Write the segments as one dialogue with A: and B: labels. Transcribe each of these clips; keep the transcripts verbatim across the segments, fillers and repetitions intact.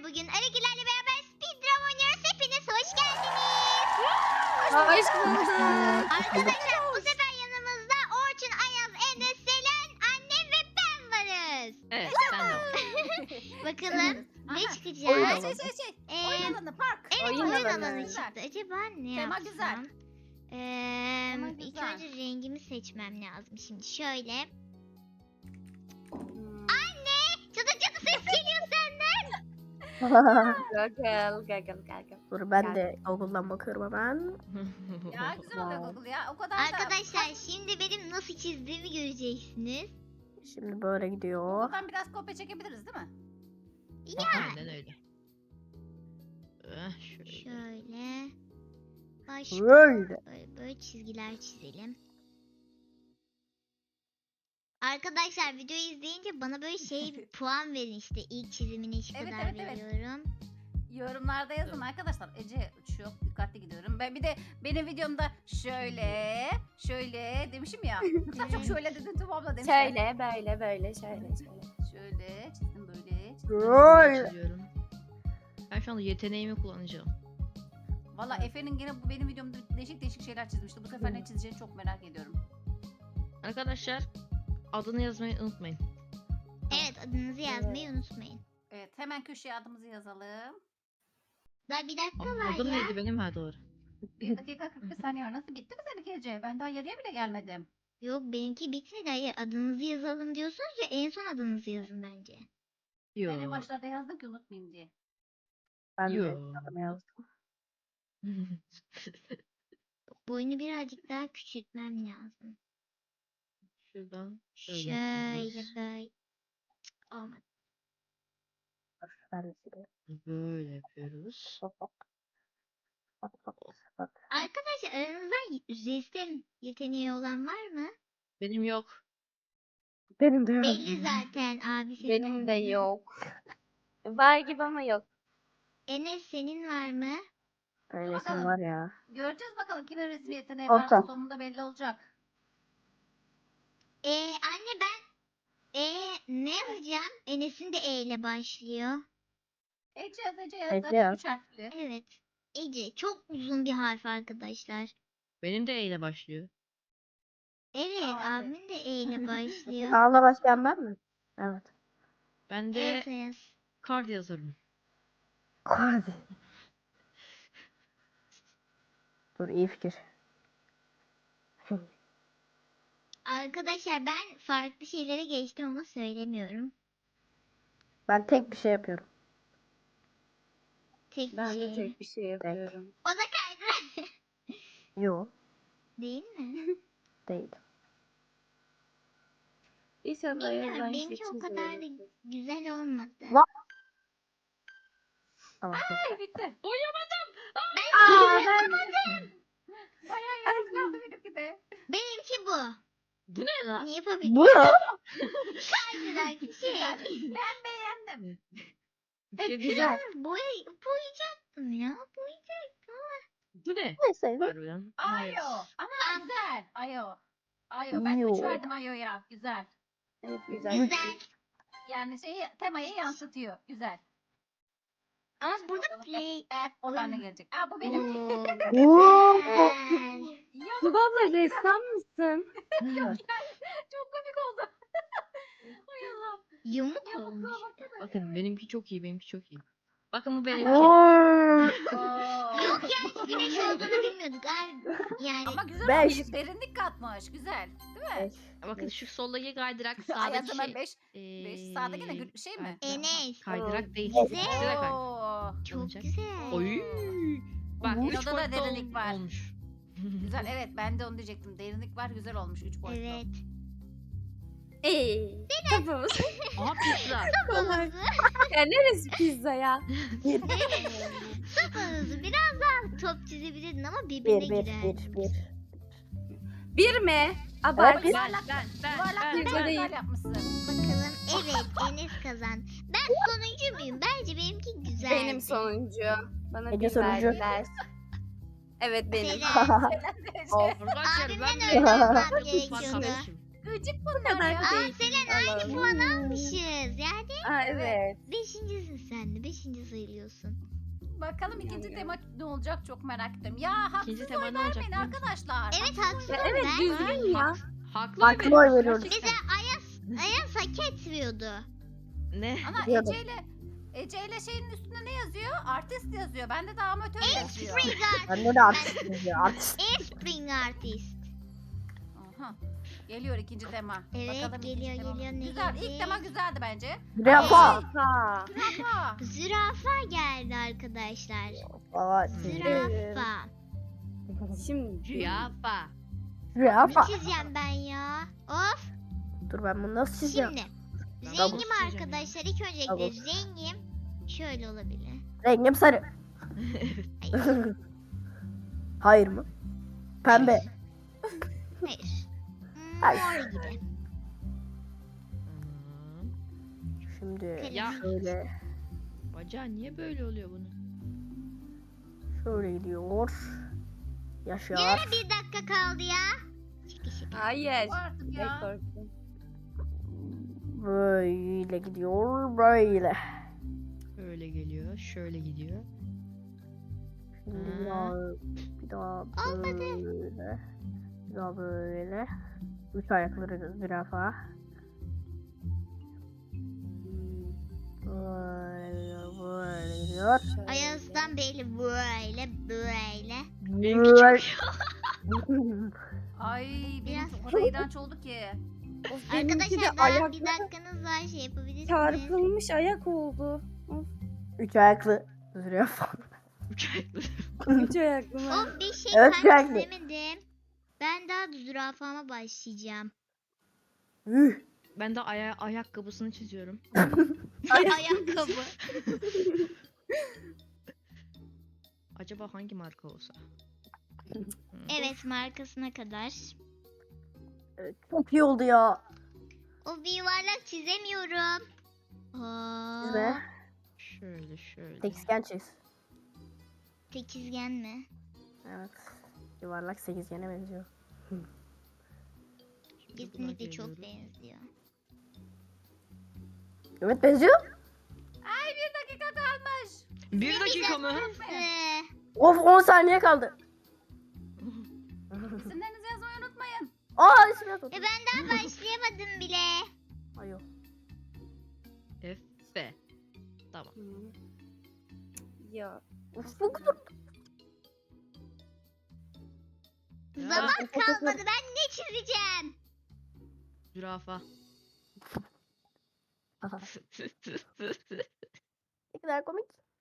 A: bugün Aragilerle beraber speedrun oynuyoruz. Hepiniz hoş geldiniz.
B: Hoş bulduk.
A: Arkadaşlar bu sefer yanımızda Orçun, Ayaz, Enes, Selen, annem ve ben varız.
C: Evet ben de.
A: Bakalım ne
B: Aha.
A: çıkacak?
B: Oyun alanı. Şey şey şey.
A: Ee,
B: Oyun alanı park.
A: Evet
B: Oyun
A: oyun,
B: alanı.
A: alanı
B: Güzel.
A: çıktı. Acaba ne
B: Tema
A: yapsam?
B: güzel.
A: Ee,
B: Tema
A: ilk
B: güzel.
A: önce rengimi seçmem lazım. Şimdi şöyle.
B: Hmm.
A: Cadı cadı ses geliyor senden.
D: Gagel, gagel, gagel.
E: Dur ben de Google'dan bakıyorum hemen.
B: Ya güzel oluyor Google ya. O kadar da.
A: Arkadaşlar şimdi benim nasıl çizdiğimi göreceksiniz.
E: Şimdi böyle gidiyor.
B: Buradan biraz kopya çekebiliriz değil mi?
C: Aynen öyle. Eh, şöyle.
A: Şöyle. Başka
E: Böyle.
A: böyle, böyle çizgiler çizelim. Arkadaşlar videoyu izleyince bana böyle şey puan verin işte ilk çizimine şu
B: Evet,
A: kadar
B: evet, evet.
A: veriyorum.
B: Yorumlarda yazın arkadaşlar. Ece çok dikkatli gidiyorum. Ben bir de benim videomda şöyle, şöyle demişim ya. Sen çok şöyle dedin tamamla demişler.
D: Şöyle, böyle, böyle, şöyle, şöyle.
B: Şöyle çizdim böyle. Çizdim.
E: Böyle.
C: Çiziyorum. Ben şu anda yeteneğimi kullanacağım.
B: Valla Efe'nin gene bu benim videomda değişik değişik şeyler çizmişti. Bu sefer ne çizeceğini çok merak ediyorum.
C: Arkadaşlar adını yazmayı unutmayın.
A: Evet adınızı yazmayı unutmayın.
B: Evet hemen köşeye adımızı yazalım.
A: Daha bir dakika
C: Aa,
A: var
C: adım
A: ya.
C: neydi benim? Ha doğru.
B: Bir dakika kırk bir saniye var. Nasıl bitti mi seninki Ece? Ben daha yarıya bile gelmedim.
A: Yok benimki bitmedi. Hayır adınızı yazalım diyorsunuz ya en son adınızı yazın bence.
C: Yo.
B: Ben en başlarda yazdım ki unutmayayım diye.
E: Ben de
C: Yo.
E: adımı yazdım.
A: Boyunu birazcık daha küçültmem lazım.
C: Şuradan şöyle
A: Şöyle
C: yapıyoruz.
A: böyle. Cık, olmadı.
E: Ben de sileyim.
C: Böyle yapıyoruz.
E: Bak bak. Bak bak. Bak.
A: Arkadaşlar aranızda resim yeteneği olan var mı?
C: Benim yok.
E: Benim de yok.
A: Belli zaten abi senin.
D: Benim de yok. Var gibi ama yok.
A: Enes senin var mı?
E: Öylesin var ya.
B: Göreceğiz bakalım kimin resmi yeteneği
E: Olsun.
B: varsa sonunda belli olacak.
A: Ee, anne ben ee, ne yazacağım? Enes'in de E ile başlıyor.
B: Ece yaz Ece yaz.
E: Ece
B: Zaten
E: yaz.
B: üç harfli.
A: Evet. Ece çok uzun bir harf arkadaşlar.
C: Benim de E ile başlıyor.
A: Evet
B: Aa, evet.
A: abimin de E ile başlıyor.
E: Ağla başlayan ben mi? Evet.
C: Ben de
A: Evet Ayaz.
C: kart yazarım.
E: Hadi. Dur iyi fikir.
A: Arkadaşlar ben farklı şeylere geçtim ama söylemiyorum.
E: Ben tek bir şey yapıyorum.
A: Tek
D: Ben
A: şey.
D: de tek bir şey yapıyorum.
A: O da kaydı.
E: Yo.
A: Değil mi?
E: Değil.
D: İnşallah
A: Bilmiyorum
D: yazan
A: benimki o kadar da güzel olmadı.
E: Va- Tamam. çok
B: Ay bitti.
D: Aa, ben
B: Bayağı yarım kaldı benimki de.
A: Benimki bu.
C: Bu ne lan?
A: Ne yapabilirim?
E: Bu ne?
A: Kaydırak bir şey.
B: Ben beğendim.
C: Bir şey
D: hep
C: diyeceğim.
D: güzel.
A: Boy, boyayacaktım ya. Boyayacaktım.
C: Bu ne?
E: Neyse.
C: Harbiden.
B: Ayo. Ama güzel. Ayo. Ayo. Ben
E: Ayo.
B: üç verdim Ayo'ya. Güzel.
D: Evet, güzel.
A: Güzel.
B: Yani şeyi temayı yansıtıyor. Güzel.
A: Ama burada play.
B: Evet. Oradan ne gelecek? Aa bu benim.
A: Oo,
E: Oo.
A: güzel.
B: Ya
D: Abla ressam mısın?
B: çok komik oldu. Hay Allah.
A: Yumuk
B: Ya
A: olmuş.
B: baksana baksana.
C: Bakın benimki çok iyi, benimki çok iyi. Bakın bu benimki.
E: Oo.
A: Yok ya güneş olduğunu bilmiyorduk. Abi. Yani
B: Ama güzel
E: Beş.
B: olmuş. Derinlik katmış. Güzel. Değil mi?
C: Bakın şu soldaki kaydırak
B: Ay
C: sağdaki
B: hemen
C: şey.
B: beş. beş.
C: eee,
B: Sağdaki ne gül- bir şey mi?
A: Enes.
C: Kaydırak değil.
E: Güzel.
C: Güzel kay.
B: Oo.
A: Çok
C: Olacak.
A: güzel.
C: Oy. Bak
E: Hı.
C: üç
B: Orada da
C: boyutlu
B: derinlik
C: ol-
B: var.
C: olmuş.
B: Güzel evet ben de onu diyecektim. Derinlik var güzel olmuş üç boyutlu.
A: Evet.
D: Eee. Kapımız.
C: Aha pizza.
A: Sopanızı,
D: Ya neresi pizza ya?
A: sopanızı biraz daha top çizebilirdin ama birbirine
E: Bir bir
A: girer.
E: bir bir.
D: Bir mi? Abart.
E: Evet.
C: Ben ben ben
B: Yuvarlak
C: ben
B: bir
D: ben-
B: ben,
D: değil.
B: yapmışsın.
A: Bakalım. Evet Enes kazandı. Ben sonuncu muyum? Bence benimki güzel.
D: Benim sonuncu. Bana
E: Ece
D: bir
E: sonuncu.
D: verdiler. Evet benim.
A: Selen.
C: Arkadaşlar
A: Abimden
C: ben
A: öyle yazmam
C: Bak
A: gerekiyordu.
C: kardeşim.
B: Gıcık
D: Bu
B: bunlar
D: kadar
B: ya.
D: da
A: Aa
D: değil.
A: Selen aynı
D: Allah'ım.
A: puan almışız. Yani
D: Aa evet.
A: beşincisin sen de. Beşinci sayılıyorsun.
B: Bakalım ikinci
D: Yani.
B: tema ne olacak çok merak ettim. Ya haksız
C: İkinci tema
B: oy
C: ne olacak
B: vermeyin
C: biliyor musun?
B: arkadaşlar.
A: Evet haksız
D: Ya
A: ol
D: evet
A: ben.
D: düzgün ya.
C: Haklı,
E: Haklı oy veriyoruz.
A: Bize Ayaz, Ayaz hak etmiyordu.
C: Ne?
B: Ana
E: Biliyordum.
B: Ece ile Ece ile şeyin üstünde ne yazıyor? Artist yazıyor. Bende de amatör yazıyor.
A: Spring
E: Bende
A: artist.
E: de artist yazıyor. Artist.
A: Spring artist.
B: Aha. Geliyor ikinci tema.
A: Evet,
B: Bakalım ikinci
A: geliyor,
B: tema.
A: geliyor, ne
B: Güzel.
A: gelecek?
B: İlk tema güzeldi bence.
E: Zürafa.
D: Ha.
B: Zürafa.
A: Zürafa geldi arkadaşlar.
E: Aa,
A: Zürafa.
D: Şimdi.
C: Zürafa.
A: Ne
E: Zürafa.
A: çizeceğim ben ya? Of.
E: Dur ben bunu nasıl çizeceğim?
A: Şimdi.
C: Double
A: Rengim
C: çizeceğim
A: arkadaşlar. İlk öncelikle
E: Double.
A: rengim şöyle olabilir.
E: Rengim sarı.
A: Hayır.
E: Hayır mı? Pembe.
A: Hayır.
E: Hayır.
A: Mor gibi.
C: Hmm.
E: Şimdi
C: Ya.
E: şöyle
C: Bacağı niye böyle oluyor bunun?
E: şöyle gidiyor. Yaşar.
A: Yine bir dakika kaldı ya. Şaka şaka.
D: Hayır.
B: Bu artık
D: Ne
B: ya.
D: korktum.
E: Böyle gidiyor. Böyle.
C: Öyle geliyor, şöyle gidiyor.
E: Şimdi
C: Ha.
E: bir daha, bir daha
A: Olmadı.
E: böyle. Bir daha böyle. Üç ayakları zürafa. Böyle böyle gidiyor.
D: Şöyle.
A: Ayaz'dan belli böyle böyle.
E: Böyle.
B: Ay benim
A: Biraz-
B: çok kadar iğrenç oldu ki.
D: Of, benimki de
A: Arkadaşlar daha bir
D: ayakları
A: dakikanız var şey yapabilirsiniz.
D: çarpılmış ayak oldu.
E: Üç ayaklı zürafa.
C: Üç ayaklı.
D: Üç ayaklı mı?
A: Of bir şey
E: Evet,
A: kalp
E: sürekli.
A: çizemedim. Ben daha zürafama başlayacağım.
E: Üh.
C: Ben de aya ayakkabısını çiziyorum.
A: Ayakkabı.
C: Acaba hangi marka olsa? Hmm.
A: Evet markasına kadar.
E: Evet, çok iyi oldu ya.
A: O bir yuvarlak çizemiyorum.
E: Çizme.
A: Aa,
C: Şöyle şöyle.
E: Sekizgen çiz.
A: sekizgen mi?
E: Evet. Yuvarlak sekizgene benziyor.
C: Şimdi buna
A: Kesinlikle çok
C: geliyorum.
A: benziyor.
E: Evet benziyor.
B: Ay bir dakika kalmış.
C: Bir dakika mı?
A: Ee,
E: Of on saniye kaldı.
B: İsimlerinizi yazmayı unutmayın.
E: Aa ismi yazmadı.
A: e ben daha başlayamadım bile.
E: Ay yok.
C: F. Tamam.
D: Hı. Ya.
E: Of çok zor.
C: Ya,
A: Zaman kalmadı ben ne çizeceğim?
C: Zürafa.
E: Aha, ne kadar komik.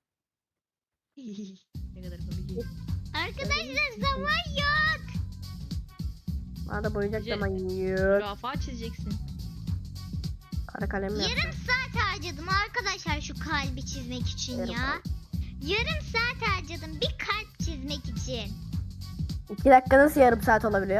C: Ne kadar komik.
A: Arkadaşlar zaman yok.
E: Bana da boyayacak
C: Ece-
E: zaman yok.
C: Zürafa çizeceksin.
E: Kara kalemle
A: Yarım
E: yapacağım.
A: saat harcadım arkadaşlar şu kalbi çizmek için
E: Yarım
A: ya.
E: saat.
A: Yarım saat harcadım bir kalp çizmek için.
E: İki dakika nasıl yarım saat olabiliyor?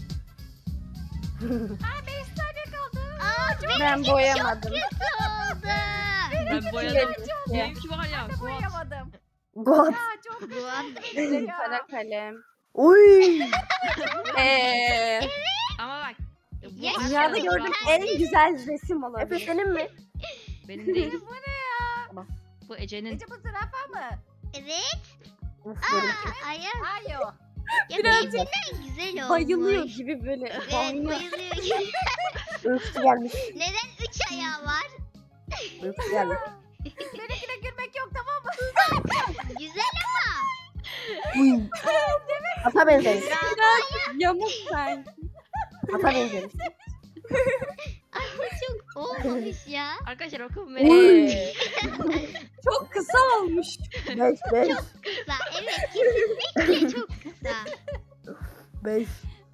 B: Ay beş saniye kaldı.
A: Aa,
D: Ben
A: benimki
D: boyamadım.
A: Çok kötü oldu.
C: Ben boyadım. Benimki var ya.
B: Ben de
C: Fuat.
B: boyayamadım.
E: God.
B: Ya çok kötü
A: Bu
B: oldu ya.
D: Kara kalem.
E: Uy.
D: Eee.
C: Ama bak. Bu
A: Ya,
C: aslında
D: Dünyada
A: Zürafa.
D: gördüğüm en güzel resim
E: Efe
D: olabilir.
E: senin mi?
C: Benim değil.
B: Bu ne ya?
C: Bu Ece'nin.
B: Ece bu zürafa mı?
A: Evet.
E: Of,
A: Aa,
E: benimki.
A: Ayaz.
B: Hayır.
A: Ya
D: Birazcık
A: benimkinden güzel olmuş.
D: Bayılıyor gibi böyle.
A: Evet
D: Bayılıyor.
A: bayılıyor gibi.
E: Uykusu gelmiş.
A: Neden üç ayağı var?
E: Uykusu gelmiş.
B: Benimkine gülmek yok tamam mı?
A: Güzel ama.
E: Uy. Ata benzemiş.
D: Yamuk sen.
E: Ata benzemiş.
A: Ay bu çok olmamış ya.
C: Arkadaşlar bakın
D: Eee.
C: ve
D: Çok kısa olmuş.
E: Beş beş.
A: Kısa. Evet kesinlikle çok kısa.
E: Beş.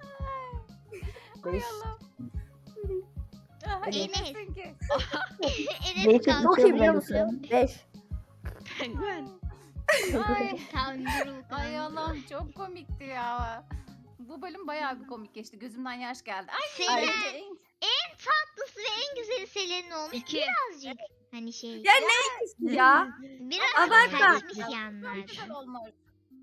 B: Ay
E: Beş.
B: Allah'ım. Aha,
E: Enes.
B: iyisin ki.
A: Enes
E: Beşi çok iyi biliyor
A: kalkıyor.
E: musun? Beş.
C: penguen.
B: Ay.
A: Kanguru.
B: Ay
A: kanguru.
B: Allah'ım çok komikti ya. Bu bölüm bayağı bir komik geçti. Gözümden yaş geldi. Ay
A: Selen.
B: Ece,
A: En tatlısı ve en güzeli Selen'in olmuş.
C: İki.
A: Birazcık hani şey.
D: Ya ne ikisi ya?
A: Biraz
D: Abartma.
A: kaçmış
B: Çok
A: yanlar.
B: güzel olmuş.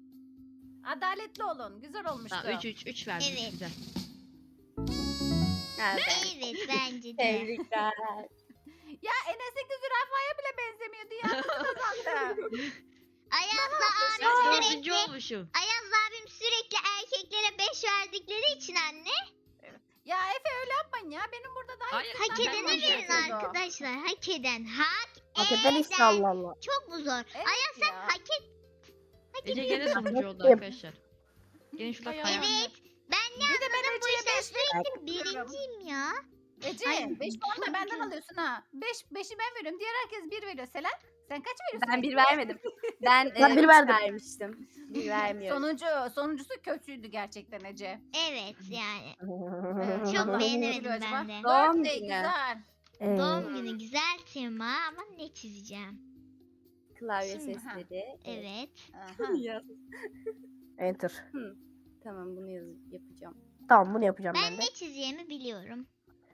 B: Adaletli olun. Güzel olmuştu.
C: Tamam üç üç üç verdim.
A: Evet.
C: Güzel.
D: Evet.
A: Evet bence de.
D: Tebrikler.
B: Ya Enes'teki zürafaya bile benzemiyordu ya. Nasıl kazandı?
A: Ayaz'la
C: Ben
A: abim
C: dördüncü
A: sürekli
C: olmuşum.
A: Ayaz'la abim sürekli erkeklere beş verdikleri için anne.
B: Ya Efe öyle yapmayın ya. Benim burada daha
C: Hayır,
B: yüksek
A: Hak
C: Ben
A: edene
C: beş
A: verin
C: yapıyordum.
A: arkadaşlar. Hak eden. Hak
E: Hak eden işte
A: eden.
E: Allah Allah.
A: Çok mu zor?
B: Evet
A: Ayaz sen
B: ya.
A: hak et. Hak
C: Ece
A: ediyorsun.
C: gene sonuncu oldu
E: Ettim.
C: arkadaşlar. Gene şurada
B: Ay,
C: kaya.
A: Evet. Ben ne
B: Bir de ben
A: anladım bu
B: Ece'ye
A: işten
B: beş
A: sürekli birinciyim ya.
B: Ece
A: Ay,
B: beş puan da
A: çok
B: benden
A: güzel.
B: alıyorsun ha. beş beşi ben veriyorum. Diğer herkes bir veriyor. Selen sen kaç veriyorsun?
D: Ben bir
B: Ece'ye?
D: vermedim. Ben,
E: Ben
D: e,
E: bir
D: üç
E: verdim.
D: vermiştim. Bir vermiyorum.
B: Sonuncu, sonuncusu kötüydü gerçekten Ece.
A: Evet yani.
B: Evet,
A: Çok
B: Allah
A: beğenemedim
B: üzülüyor acaba.
A: ben de.
D: Doğum
B: Birthday
D: günü.
B: güzel.
E: Ee,
A: Doğum günü güzel tema ama ne çizeceğim?
D: Klavye
B: Şimdi, ha.
D: sesleri.
A: Evet.
B: Aha.
D: Yaz.
E: Enter.
D: Tamam bunu yaz yapacağım.
E: Tamam bunu yapacağım
A: Ben
E: ben de.
A: ne çizeceğimi biliyorum.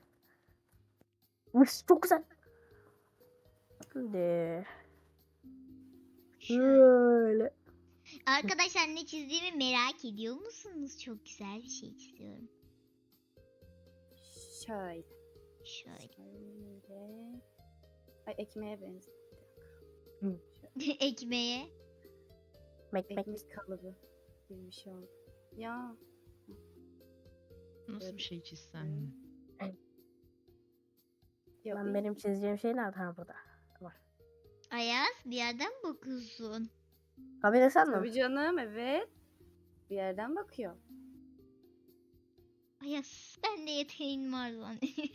E: Üf, çok güzel. Şimdi.
A: Şöyle.
E: Böyle.
A: Arkadaşlar ne çizdiğimi merak ediyor musunuz? Çok güzel bir şey çiziyorum.
D: Şöyle.
A: Şöyle.
D: Şöyle. Ay ekmeğe benziyor.
A: Ekmeğe.
E: Mek mek.
D: Ekmek kalıbı gibi bir şey oldu. Ya.
C: Nasıl bir şey çizsem?
D: Ya
E: Ben benim çizeceğim şey nerede? Ha burada.
A: Ayaz bir yerden bakıyorsun.
E: Kabul etsen mi?
D: Tabii canım evet. Bir yerden bakıyor.
A: Ayaz ben de yeteneğin var lan.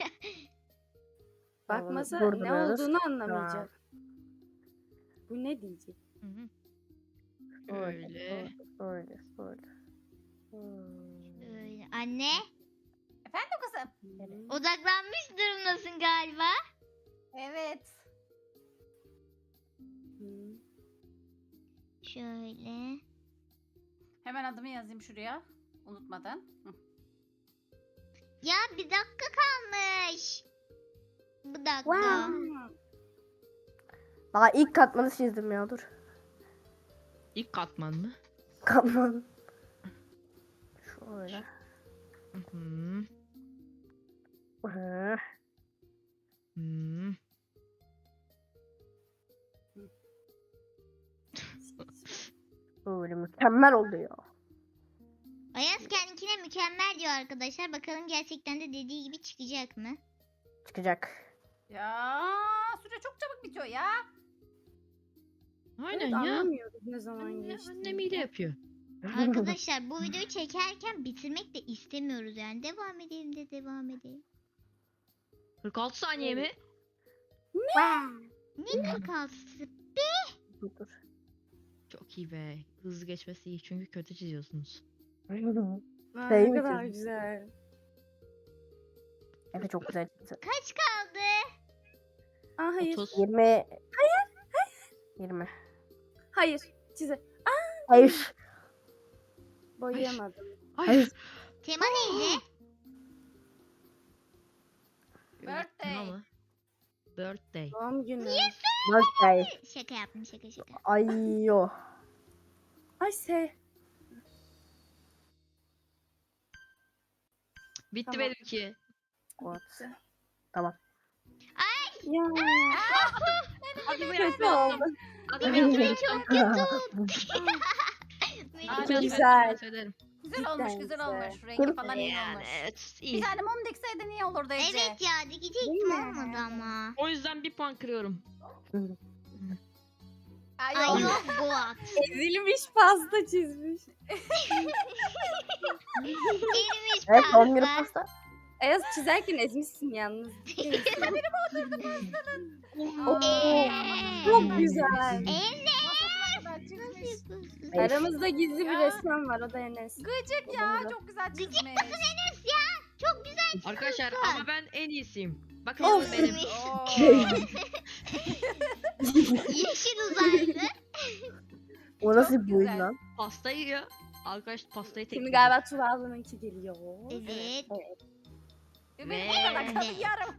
D: Bakmasa
E: Bunu
D: ne
E: durduruyoruz.
D: olduğunu anlamayacak. Bu ne diyecek?
C: Hı hı.
E: Böyle.
C: Öyle.
E: Böyle. Böyle. Hmm.
A: Öyle. Anne
B: Efendim kızım?
A: odaklanmış durumdasın galiba.
B: Evet.
D: Hı.
A: Şöyle.
B: Hemen adımı yazayım şuraya. Unutmadan. Hı.
A: Ya bir dakika kalmış. Bu dakika.
E: Wow. Daha ilk katmanı çizdim ya dur.
C: İlk katman mı?
E: Katman. Şöyle.
C: Hı hı.
E: Hı.
C: Hı.
E: Böyle mükemmel oldu ya.
A: Ayaz kendine mükemmel diyor arkadaşlar. Bakalım gerçekten de dediği gibi çıkacak mı?
E: Çıkacak.
B: Ya süre çok çabuk bitiyor ya.
C: Aynen
D: Evet,
C: ya.
D: anlamıyoruz ne zaman
C: Anne,
D: geçti.
C: annem iyi de yapıyor.
A: Arkadaşlar bu videoyu çekerken bitirmek de istemiyoruz yani. Devam edelim de devam edelim.
C: kırk altı saniye mi?
A: Ne kırk altısı?
E: Dur dur.
C: Çok iyi be. Hızlı geçmesi iyi çünkü kötü çiziyorsunuz.
D: Aa,
E: Şey
D: ne
E: mi
D: kadar
E: çizdin?
D: güzel.
E: Evet çok güzel çizdi.
A: Kaç kaldı?
D: Aa hayır.
C: otuz.
E: yirmi. Hayır. Hayır. yirmi.
D: Hayır. Çize.
E: Hayır.
D: Boyayamadım.
C: Hayır.
A: Tema neydi?
B: Birthday.
C: Ama. Birthday.
D: Doğum günü.
E: Birthday.
A: Şaka yaptım şaka şaka.
E: Ay yo.
D: Ay se.
C: Bitti
D: Tamam.
C: benimki.
E: What? Tamam.
D: Ya.
C: Adımı
D: Kötü
C: yapmayalım.
D: oldu.
C: Adımı yapmayalım.
A: Çok kötü oldu.
B: Aa,
C: Ben
D: güzel.
C: söylerim.
B: Güzel
D: Cidden
B: olmuş güzel
D: güzel.
B: olmuş. Rengi falan iyi
C: Yani
B: olmuş.
C: evet
B: Bir
C: iyi.
B: tane mum dikseydi iyi olurdu Ece.
A: Evet ya dikecektim
D: Değil mi?
A: olmadı ama.
C: O yüzden bir puan kırıyorum.
B: Ay,
A: Ay
B: yok.
A: yok Goat.
D: Ezilmiş pasta çizmiş.
A: Erimiş
E: Evet doğum günü
A: pasta.
E: pasta.
D: Ayaz çizerken ezmişsin yalnız.
A: Eee.
D: Çok güzel.
A: Enes.
B: Masasına kadar
A: Nasıl
B: çizmiş.
A: yapıyorsun?
E: Beş.
D: Aramızda gizli bir
B: Ya.
D: resmen var o da Enes.
B: Gıcık ya çok güzel çizmiş.
A: Gıcık mısın Enes ya? Çok güzel.
C: Arkadaşlar
A: Güzel.
C: ama ben en iyisiyim. Bakın
A: Of.
C: benim.
B: Oo.
A: Yeşil uzaylı.
E: O nasıl
B: Çok
E: bir oyun
B: güzel.
E: lan?
C: Pastayı ya. Arkadaş pastayı tek
D: Şimdi galiba Tuğba ablanınki geliyor.
A: Evet.
B: Benim
C: Ve-
B: bu kadar kaldı yarım.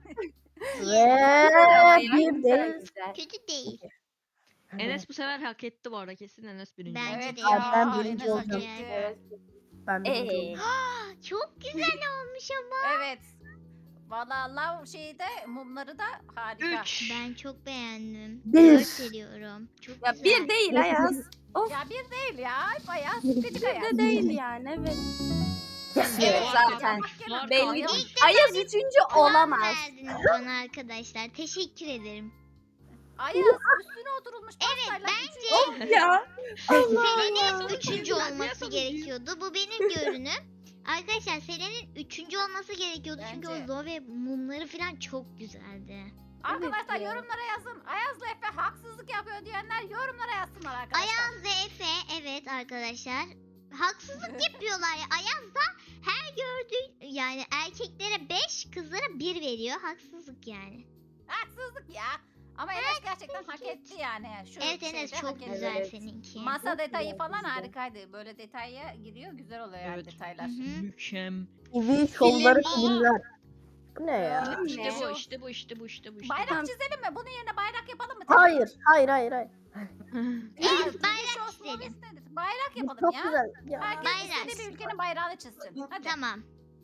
E: Ve bir
D: Güzel
E: değil.
D: güzel.
A: Kötü değil.
C: Enes bu sefer hak etti bu arada kesin Enes birinci.
A: Bence
B: Evet
A: de
B: ya.
A: ya.
E: Ben birinci
B: Enes hak
E: olacağım.
B: etti.
D: Evet.
E: Ben birinci
D: Ee,
E: oldum.
A: Aa, çok güzel olmuş ama.
B: Evet. Valla lav şeyi de mumları da harika.
C: Üç.
A: Ben çok beğendim.
E: Bir.
A: Dört veriyorum. Çok
D: Ya
A: güzel.
D: bir değil Ayaz. Of.
B: Ya bir değil ya. Bayağı
E: Bir-
B: gıcık
D: Bir
B: Ayaz.
D: de değil yani evet.
E: Yes.
A: Evet,
D: zaten.
C: Var
D: Belli.
C: kalmış.
A: İlk defa
D: Ayaz üçüncü
A: puan
D: olamaz.
A: verdiniz bana arkadaşlar. Teşekkür ederim.
B: Ayaz üstüne oturulmuş pastayla.
A: bence-
D: Ya.
A: Selen'in üçüncü
C: Ben niye
A: olması
C: sonuncuyum?
A: gerekiyordu. Bu benim görünüm. Arkadaşlar Selen'in üçüncü olması gerekiyordu. Çünkü
B: Bence.
A: o Zoe mumları falan çok güzeldi.
B: Arkadaşlar
D: Evet ya.
B: yorumlara yazın. Ayaz'la Efe haksızlık yapıyor diyenler yorumlara yazsınlar arkadaşlar.
A: Ayaz ve Efe evet arkadaşlar. Haksızlık yapıyorlar ya. Ayaz da her gördüğü yani erkeklere beş kızlara bir veriyor. Haksızlık yani.
B: Haksızlık ya. Ama Enes gerçekten hak etti yani. Şu
A: Evet Enes
B: şeyde
A: çok
B: hak etti.
A: güzel
D: Evet.
A: seninki.
B: Masa
D: Çok
B: detayı
D: güzel,
B: falan
D: güzel.
B: harikaydı. Böyle detaya giriyor. Güzel oluyor yani
C: Evet.
B: detaylar.
A: Hı hı.
C: Mükemmel.
E: T V şovları
A: Film.
E: filmler. Bu ne ya?
D: Film
C: İşte
D: ne?
C: bu, işte bu, işte bu, işte bu, işte
B: Bayrak
D: Tamam.
B: çizelim mi? Bunun yerine bayrak yapalım mı?
E: Hayır, hayır, hayır, hayır.
C: bu.
A: Evet,
B: bayrak
A: bayrak
B: olsun,
A: çizelim.
B: istedim. Bayrak
E: Bu
B: yapalım
E: çok
B: ya.
E: güzel. Ya.
B: Herkes
A: Bayrak.
B: istediği bir ülkenin bayrağını çizsin. Hadi.
A: Tamam.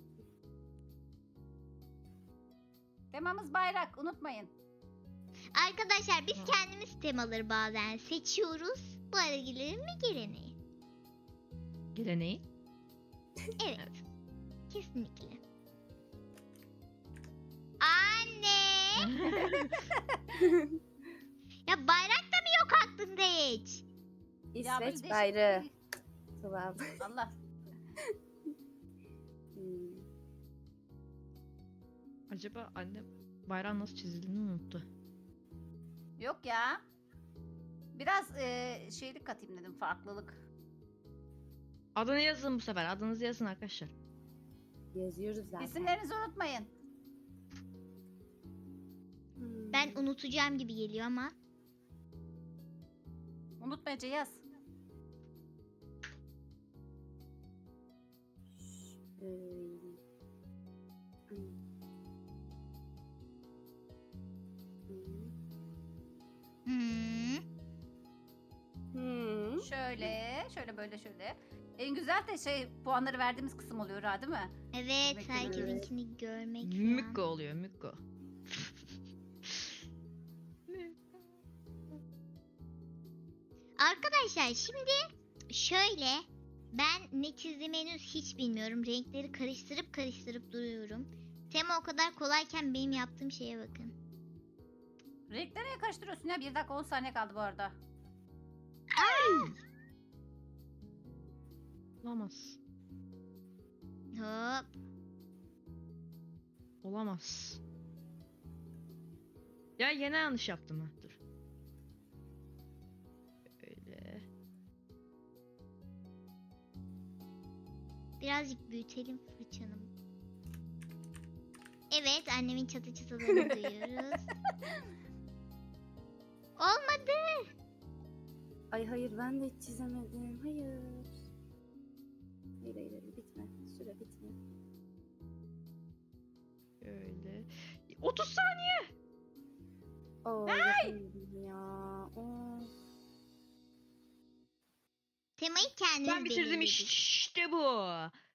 B: Temamız bayrak. Unutmayın.
A: Arkadaşlar biz kendimiz temaları bazen seçiyoruz. Bu aragillerin mi geleneği?
C: Geleneği.
A: Evet. Kesinlikle. Anne! Ya bayrak da mı yok aklında hiç?
B: Ya böyle
D: İsveç
B: değişik-
D: bayrağı. Tamam.
B: Allah.
D: Hmm.
C: Acaba annem bayrağın nasıl çizildiğini unuttu.
B: Yok ya. Biraz e, şeylik katayım dedim. Farklılık.
C: Adını yazın bu sefer. Adınızı yazın arkadaşlar.
D: Yazıyoruz zaten.
B: İsimlerinizi unutmayın.
D: Hmm.
A: Ben unutacağım gibi geliyor ama.
B: Unutmayınca yaz.
D: Şöyle. Hmm.
A: Hmm.
D: Hmm.
B: Şöyle, şöyle böyle şöyle. En güzel de şey puanları verdiğimiz kısım oluyor ha değil mi?
A: Evet
B: Demek ki
A: herkesinkini görmek falan.
C: Mükko oluyor, Mükko.
A: Arkadaşlar şimdi şöyle ben ne çizdiğimi henüz hiç bilmiyorum. Renkleri karıştırıp karıştırıp duruyorum. Tema o kadar kolayken benim yaptığım şeye bakın.
B: Renkleri niye karıştırıyorsun ya? bir dakika on saniye kaldı bu arada.
C: Olamaz.
A: Hop.
C: Olamaz. Ya yine yanlış yaptım ha. Dur. Öyle.
A: Birazcık büyütelim fırçanı. Evet annemin çatı çıtalarını duyuyoruz. Olmadı.
D: Ay hayır ben de hiç çizemedim. Hayır. Hayır hayır, hayır bitme. Süre bitme.
C: Öyle. otuz saniye.
D: Oo, yapamadım ya. Of.
A: Temayı kendimiz
C: Ben bitirdim
A: belirledik.
C: işte bu.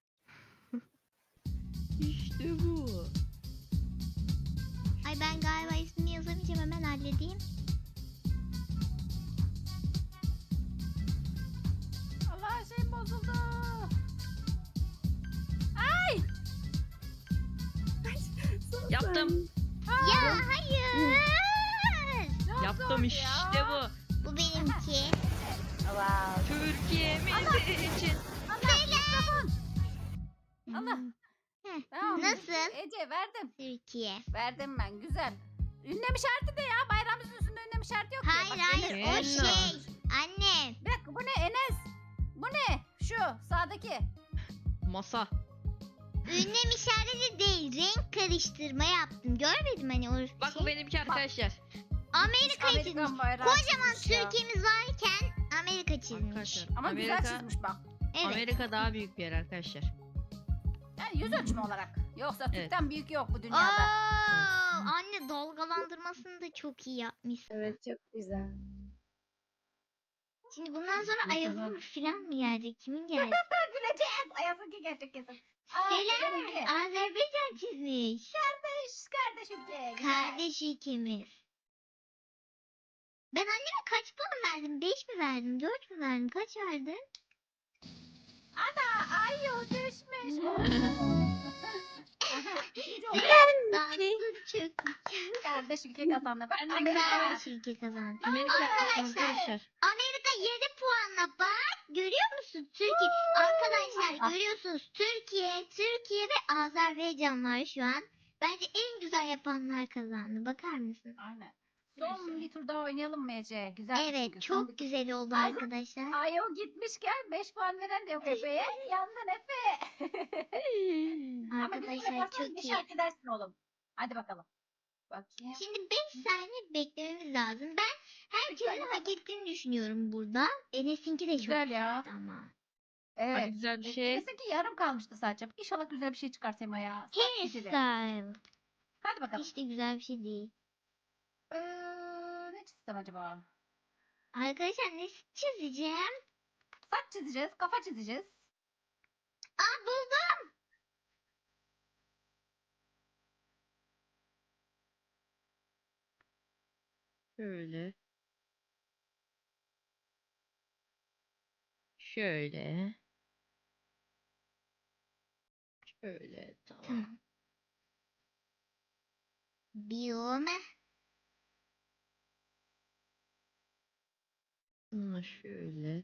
C: İşte bu.
A: Ay ben galiba ismini yazamayacağım hemen halledeyim.
B: Allah şey bozuldu.
C: Yaptım.
A: Ya hayır.
B: Çok
C: Yaptım
B: zor
C: işte
B: ya.
C: bu.
A: Bu benimki.
B: Wow.
C: Türkiye'miz için.
B: Allah.
A: Heh,
B: Tamam.
A: Nasıl?
B: Ece verdim.
A: Türkiye.
B: Verdim ben. Güzel. Ünlem işareti de ya. Bayrağımızın üstünde ünlem işareti yok ya.
A: Hayır
B: Bak,
A: hayır
B: Enes-
A: o
C: Enes.
A: şey. Anne.
B: Bir dakika bu ne Enes? Bu ne? Şu sağdaki.
C: Masa.
A: Ünlem işareti değil. Renk karıştırma yaptım. Görmedim hani o
C: Bak
A: şey.
C: bu benimki arkadaşlar.
A: Amerika'yı çizmiş.
B: Amerikan bayrağı
A: Kocaman
B: çizmiş ya.
A: Türkiye'miz varken Amerika çizmiş.
C: Arkadaşlar.
B: Ama
C: Amerika,
B: güzel çizmiş bak.
A: Evet.
C: Amerika daha büyük bir yer arkadaşlar.
B: Yani yüz ölçümü olarak. Yoksa
C: Evet.
B: Türk'ten büyük yok bu
A: Oo,
B: dünyada.
A: anne dalgalandırmasını da çok iyi yapmış.
D: Evet çok güzel.
A: Şimdi bundan sonra Ayaz'ın filan mı gelecek? Kimin gelecek?
B: Güleceğiz. Ayazınki gerçek kesin. Aa,
A: Selam.
B: benimki.
A: Azerbaycan çizmiş.
B: Kardeş, kardeşim ki.
A: Kardeş ikimiz. Ben anneme kaç puan verdim? Beş mi verdim? Dört mü verdim? Kaç verdin?
B: Ana ay o düşmüş. Aha, ikinci oldu.
A: Dansın çok
B: Kardeş ülke kazandı. Ben de
A: Kardeş ülke kazandı.
C: Amerika arkadaşlar.
A: Amerika yedi puanla bak. Görüyor musun? Türkiye. Arkadaşlar görüyorsunuz. Türkiye, Türkiye ve Azerbaycan var şu an. Bence en güzel yapanlar kazandı. Bakar mısın?
B: Aynen. Son bir tur daha oynayalım mı Ece? Güzel.
A: Evet,
B: çünkü. Son bir
A: çok
B: tur.
A: güzel oldu
B: Ay-
A: arkadaşlar.
B: Ay o gitmişken beş puan veren de yok Efe'ye. Yandın Efe. Ama bir
A: Arkadaşlar
B: yaparsan
A: çok
B: bir
A: iyi.
B: şarkı dersin oğlum. Hadi bakalım. Bakayım.
A: Şimdi beş saniye beklememiz lazım. Ben herkesin
B: saniye
A: hak ettiğini düşünüyorum burada. Enes'inki de çok
B: Güzel ya.
A: güzeldi ama.
C: Hadi
B: Evet.
C: güzel bir şey.
B: Neyse ki yarım kalmıştı sadece. İnşallah güzel bir şey çıkar Sema ya. Güzeli.
A: Hairstyle.
B: Hadi bakalım.
A: Hiç de güzel bir şey değil.
B: Ee, ne çizsem acaba?
A: Arkadaşlar ne çizeceğim?
B: Saç çizeceğiz, kafa çizeceğiz.
A: Aa buldum.
C: Şöyle. Şöyle. Şöyle tamam.
A: Tamam. Biyom.
C: Ama şöyle.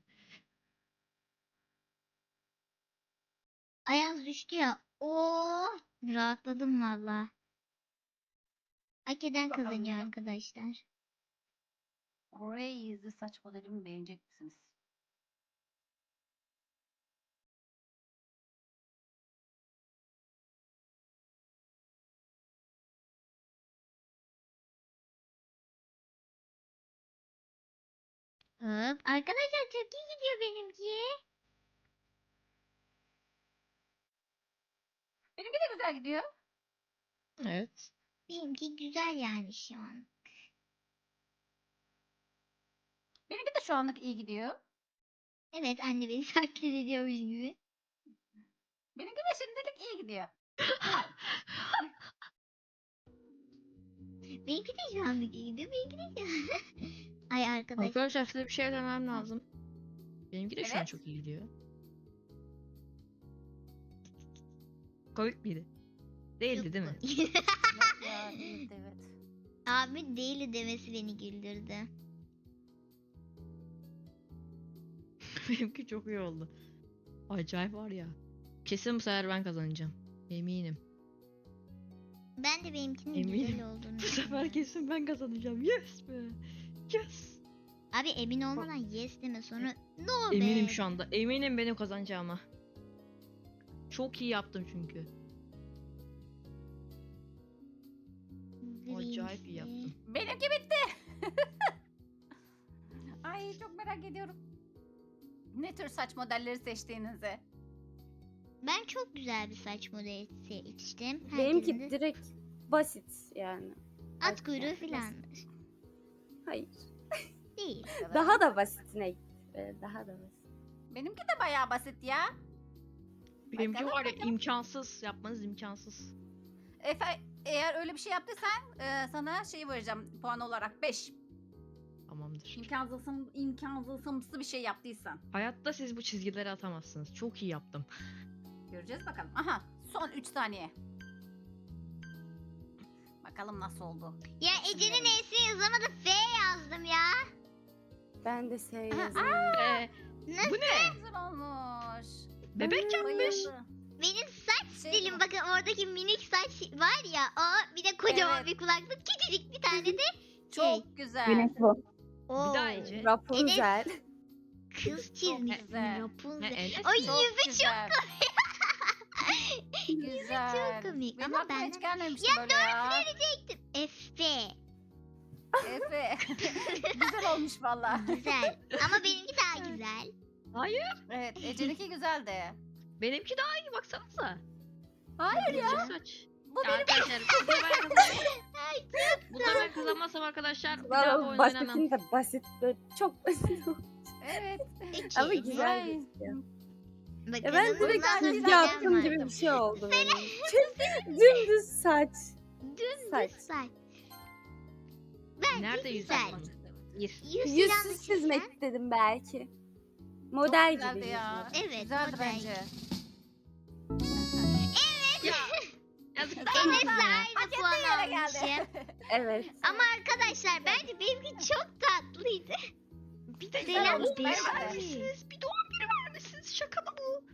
A: Ayaz düştü ya. Oo, rahatladım valla. Hak eden
B: Bakalım
A: kazanıyor
B: ya.
A: arkadaşlar.
B: Crazy saç modelimi beğenecek misiniz?
A: Hop. Arkadaşlar çok iyi gidiyor benimki.
B: Benimki de güzel gidiyor.
C: Evet.
A: Benimki güzel yani şu an.
B: Benimki de şu anlık iyi gidiyor.
A: Evet anne beni taklit ediyormuş gibi.
B: Benimki de şimdilik iyi gidiyor.
A: Benimki de şu anlık iyi gidiyor. Benimki de şu an. Ay arkadaş.
C: Arkadaşlar size bir şey demem lazım. Benimki de şu an
B: Evet.
C: çok iyi gidiyor. Komik miydi? Değildi değil mi?
B: Yok ya değildi evet.
A: Abi değil demesi beni güldürdü.
C: Benimki çok iyi oldu. Acayip var ya. Kesin bu sefer ben kazanacağım. Eminim.
A: Ben de benimkinin
C: Eminim.
A: güzel olduğunu
C: Bu sefer
A: düşünüyorum.
C: kesin ben kazanacağım. Yes be. Yes.
A: Abi emin olmadan yes deme sonra no be.
C: Eminim şu anda. Eminim benim kazanacağıma. Çok iyi yaptım çünkü. Acayip iyi yaptım.
B: Benimki bitti. Ay çok merak ediyorum. Ne tür saç modelleri seçtiğinizi.
A: Ben çok güzel bir saç modeli seçtim. Herkesin
D: Benimki
A: de
D: direkt basit yani.
A: at kuyruğu
D: Yani
A: filandır.
D: Hayır.
A: Değil.
D: Daha da basitine git. Ee, Daha da basit.
B: Benimki de bayağı basit ya.
C: Benimki
B: Bakalım,
C: var ya
B: bakalım.
C: imkansız. Yapmanız imkansız.
B: Efe eğer öyle bir şey yaptıysan e, sana şey vereceğim puan olarak beş.
C: Tamamdır.
B: İmkansızım, imkansızımsı bir şey yaptıysan.
C: Hayatta siz bu çizgileri atamazsınız. Çok iyi yaptım.
B: Göreceğiz bakalım. Aha son üç saniye. Bakalım nasıl oldu.
A: Ya Ece'nin E'sini yazamadı F yazdım ya.
D: Ben de S
B: Aha,
D: yazıyorum.
C: Ee,
A: Nasıl?
C: bu ne?
B: Güzel olmuş.
C: Bebek yapmış.
B: Bayıldı.
A: Benim saç
B: Şey
A: stilim
B: mi?
A: bakın oradaki minik saç var ya o bir de kocaman
B: Evet.
A: bir kulaklık küçücük bir tane de
B: Çok güzel.
E: Güneş bu.
A: o
C: Bir daha Ece.
D: Rapunzel.
A: kız çizmişsin
B: güzel.
A: Rapunzel.
C: Ha, Enes
A: Ay
C: mi?
B: Çok
A: yüzü
B: güzel. Güzel.
A: çok komik
B: Benim
A: ama
B: aklıma
A: ben
B: hiç gelmemişti
A: Ya
B: böyle ya.
A: verecektim. Efe.
B: Efe. Güzel olmuş valla.
A: Güzel. Ama benimki daha güzel.
B: Evet Ece'ninki güzeldi.
C: Benimki daha iyi baksanıza.
B: Hayır ya.
C: Küçük saç.
B: Bu
C: Ya
B: benim.
C: arkadaşlar bu sefer ben kazanamam. Bu sefer kazanmazsam arkadaşlar bir daha bu
D: Valla
C: oyunu oynamam.
D: basitin de basit. Böyle çok basit.
B: Evet.
A: Peki.
D: Ama güzel
B: Vay.
D: gözüküyor.
A: Bakalım
D: Ya ben direkt
A: bundan
D: çizgi
A: sonra
D: yaptım
A: ben
D: gibi
A: vardım.
D: bir şey oldu benim. Dümdüz saç.
A: Dümdüz
D: Saç.
A: saç. Bence
C: Nerede yüz
A: güzel.
C: yapmadın? Bir.
A: Yüz falan da
D: Yüzsüz
A: çizsen.
D: çizmek istedim belki. Model
B: Çok güzeldi
D: gibi
B: ya.
D: yüzü.
A: Evet,
B: Güzeldi
A: model.
B: bence.
C: Ya. Yazıklar
A: Enes'le
C: olsun ya.
A: aynı
B: Hak
A: puan
B: ettiği yere geldi.
A: almışım.
D: Evet.
A: Ama arkadaşlar bence benimki çok tatlıydı.
C: Bir de
A: Selam
C: Selam
B: olsun,
C: bir
B: bence de.
C: vermişsiniz. Bir doğum günü vermişsiniz. Şaka mı bu?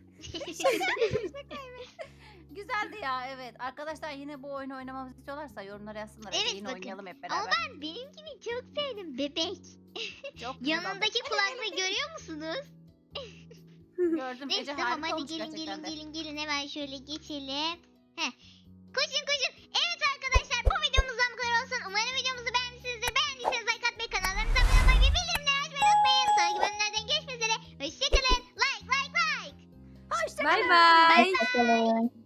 B: Güzeldi ya, evet. Arkadaşlar yine bu oyunu oynamamızı istiyorlarsa yorumlara yazsınlar. Ece,
A: Evet,
B: yine
A: bakın.
B: oynayalım hep
A: Ama
B: beraber.
A: ben benimkini çok sevdim bebek.
B: Çok güzel oldu.
A: Yanındaki kulaklığı görüyor musunuz?
B: Gördüm.
A: Neyse
B: Ece
A: tamam
B: harika
A: hadi
B: olmuş
A: gelin
B: gerçekten
A: gelin
B: de.
A: gelin gelin hemen şöyle geçelim. Heh. Koşun koşun. Evet arkadaşlar bu videomuzdan bu kadar olsun. Umarım videomuzu beğenmişsinizdir. Beğendiyseniz like atmayı, kanallarımıza abone olmayı ve bildirimleri açmayı unutmayın. Sonraki bölümlerden görüşmek üzere. Hoşçakalın. Like like like.
B: Hoşçakalın.
D: Bay bay.
E: Bakalım.